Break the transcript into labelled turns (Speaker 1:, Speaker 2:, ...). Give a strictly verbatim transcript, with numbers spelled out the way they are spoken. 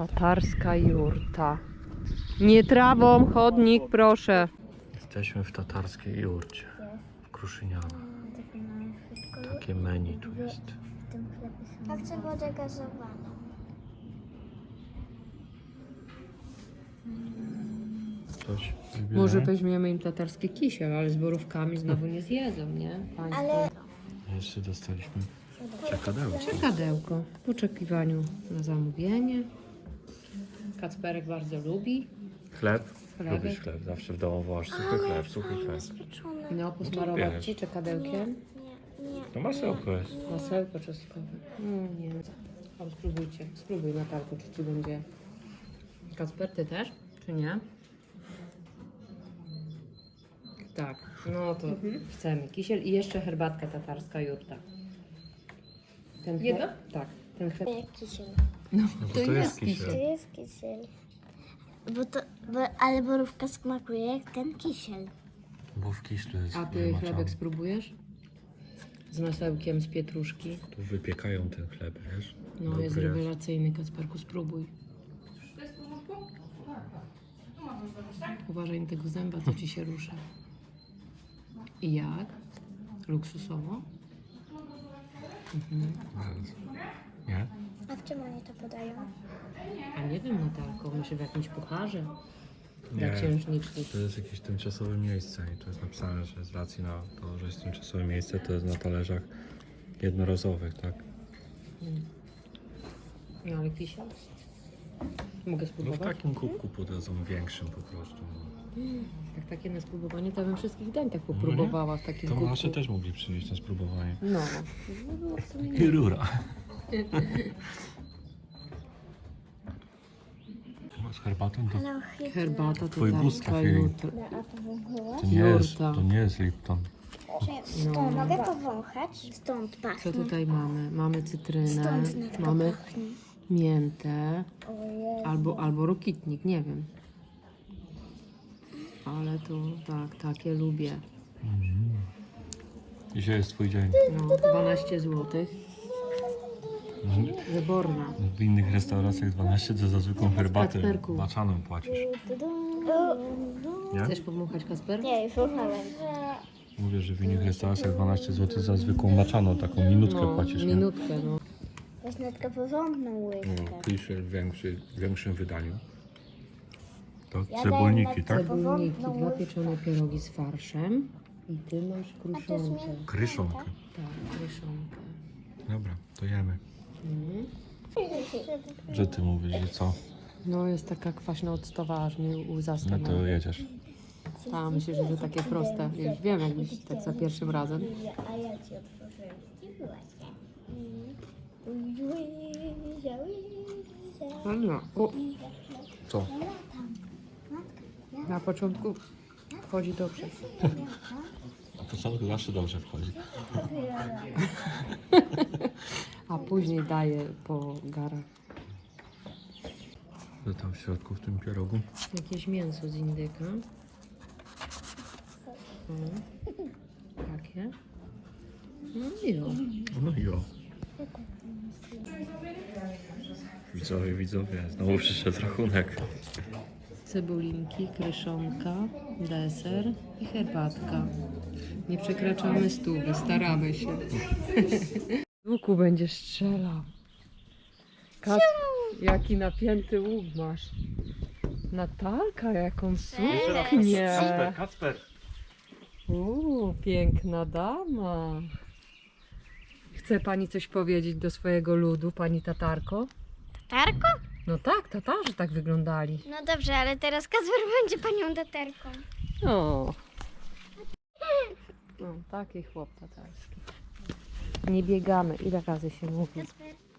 Speaker 1: Tatarska jurta. Nie trawą, chodnik, proszę.
Speaker 2: Jesteśmy w tatarskiej jurcie. W Kruszynianach. Takie menu tu jest.
Speaker 3: Ja chcę wodę gazowaną.
Speaker 2: Coś
Speaker 1: Może weźmiemy im tatarskie kisiel, ale z borówkami znowu nie zjedzą, nie? Państwo.
Speaker 3: Ale
Speaker 2: Jeszcze dostaliśmy czekadełko.
Speaker 1: Czekadełko w oczekiwaniu na zamówienie. Kacperek bardzo lubi.
Speaker 2: Chleb.
Speaker 1: Chlebek.
Speaker 2: Lubisz chleb. Zawsze w domu wołasz suchy chleb, suchy chleb.
Speaker 3: pieczone.
Speaker 1: No, posmarować
Speaker 2: bierz.
Speaker 1: ci czekadełkiem.
Speaker 3: Nie, nie.
Speaker 2: To masełko jest.
Speaker 1: Masełko czosnkowe. No nie. O, spróbujcie. Spróbuj, Natalko, czy ci będzie. Kacper, ty też? Czy nie? Tak. No to chcemy. Kisiel i jeszcze herbatka tatarska jurta. Ten chleb-
Speaker 4: Jedno?
Speaker 1: Tak. Ten chleb.
Speaker 3: Jak kisiel.
Speaker 1: No,
Speaker 2: No bo
Speaker 1: to,
Speaker 2: to
Speaker 1: jest
Speaker 2: jest kisiel.
Speaker 3: To
Speaker 1: kisiel.
Speaker 3: jest kisiel. Bo to, bo, ale borówka smakuje jak ten kisiel.
Speaker 2: Bo w kiślu jest
Speaker 1: A ty
Speaker 2: wymaczane.
Speaker 1: chlebek spróbujesz? Z masełkiem z pietruszki.
Speaker 2: Tu wypiekają ten chleb, wiesz?
Speaker 1: No,
Speaker 2: Dobry
Speaker 1: jest rewelacyjny, Kacperku, spróbuj.
Speaker 4: To jest w porządku? Tak, tak. Tu możesz zrobić, tak?
Speaker 1: Uważaj na tego zęba, co ci się rusza. I jak? Luksusowo? Mhm.
Speaker 2: Nie?
Speaker 3: A w czym oni to podają?
Speaker 1: A nie wiem, Natalko, myślę w jakimś pucharze dla
Speaker 2: Nie.
Speaker 1: księżniczki.
Speaker 2: To jest jakieś tymczasowe miejsce i to jest napisane, że z racji na to, że jest tymczasowe miejsce, to jest na talerzach jednorazowych, tak?
Speaker 1: No ale kisiel? Mogę
Speaker 2: No w
Speaker 1: spróbować?
Speaker 2: takim kubku podadzą większym po prostu.
Speaker 1: Jak takie na spróbowanie, to ja bym wszystkich dań tak
Speaker 2: No nie?
Speaker 1: popróbowała w takim
Speaker 2: To
Speaker 1: kubku.
Speaker 2: nasze też mogli przynieść na spróbowanie.
Speaker 1: No. No, było w sumie
Speaker 2: I rura. Z herbatą to,
Speaker 3: Ale chyba.
Speaker 1: Herbata
Speaker 2: Twój gust
Speaker 1: tatarska
Speaker 2: trafił.
Speaker 1: jutra.
Speaker 3: A to wąchałaś?
Speaker 2: to nie jest,
Speaker 1: Jurta.
Speaker 2: to nie jest Lipton.
Speaker 3: Stąd
Speaker 1: No.
Speaker 3: mogę powąchać? Stąd
Speaker 1: Co
Speaker 3: pachnie.
Speaker 1: tutaj mamy? Mamy cytrynę,
Speaker 3: Stąd natka
Speaker 1: mamy
Speaker 3: pachnie.
Speaker 1: miętę,
Speaker 3: Ojej.
Speaker 1: albo, albo rokitnik, nie wiem. Ale to tak, takie lubię.
Speaker 2: Dzisiaj jest twój dzień.
Speaker 1: No, dwanaście złotych. Wyborna.
Speaker 2: W innych restauracjach dwanaście to za zwykłą herbatę
Speaker 1: Kacperku.
Speaker 2: baczaną płacisz. Nie?
Speaker 1: Chcesz powąchać, Kasper?
Speaker 3: Nie, już słuchałem.
Speaker 2: Mówię, że w innych restauracjach dwanaście złotych za zwykłą baczaną, taką minutkę
Speaker 1: No,
Speaker 2: płacisz, nie?
Speaker 1: minutkę, no.
Speaker 3: Weź natka porządną łyżkę.
Speaker 2: No, kiszel w, większy, w większym wydaniu. To
Speaker 3: Ja
Speaker 2: cebulniki,
Speaker 3: daję
Speaker 2: tak?
Speaker 3: na-
Speaker 1: Cebulniki,
Speaker 3: Porządną
Speaker 1: dwa
Speaker 3: łyżkę.
Speaker 1: pieczone pierogi z farszem. I ty masz
Speaker 3: A to jest
Speaker 1: kruszonkę.
Speaker 3: miękko.
Speaker 2: Kryszonkę.
Speaker 1: Tak, kruszonkę.
Speaker 2: Dobra, to jemy.
Speaker 1: Mhm.
Speaker 2: Że ty mówisz, że co?
Speaker 1: No jest taka kwaśna octowa, aż mnie łza
Speaker 2: No
Speaker 1: stanęła.
Speaker 2: to jedziesz.
Speaker 1: A myślę, że to takie proste. Już wiem, jakbyś tak za pierwszym razem.
Speaker 3: A ja ci otworzyłem. I właśnie.
Speaker 1: No nie. O,
Speaker 2: Co?
Speaker 1: na początku wchodzi dobrze.
Speaker 2: Na początku zawsze dobrze wchodzi.
Speaker 1: A później daje po garach.
Speaker 2: Co tam w środku w tym pierogu?
Speaker 1: Jakieś mięso z indyka. O, takie. No i o.
Speaker 2: No i o. Widzowie, widzowie, znowu przyszedł rachunek.
Speaker 1: Cebulinki, kryszonka, deser i herbatka. Nie przekraczamy stówy, staramy się. Z łuku będziesz strzelał. Kat, jaki napięty łuk masz. Natalka, jaką suknię.
Speaker 2: Kacper.
Speaker 1: Uuu, piękna dama. Chce pani coś powiedzieć do swojego ludu, pani Tatarko?
Speaker 3: Tatarko?
Speaker 1: No tak, Tatarzy tak wyglądali.
Speaker 3: No dobrze, ale teraz Kacper będzie panią tatarką.
Speaker 1: O. No, taki chłop tatarski. Nie biegamy. Ile razy się mówi?
Speaker 3: Kacper,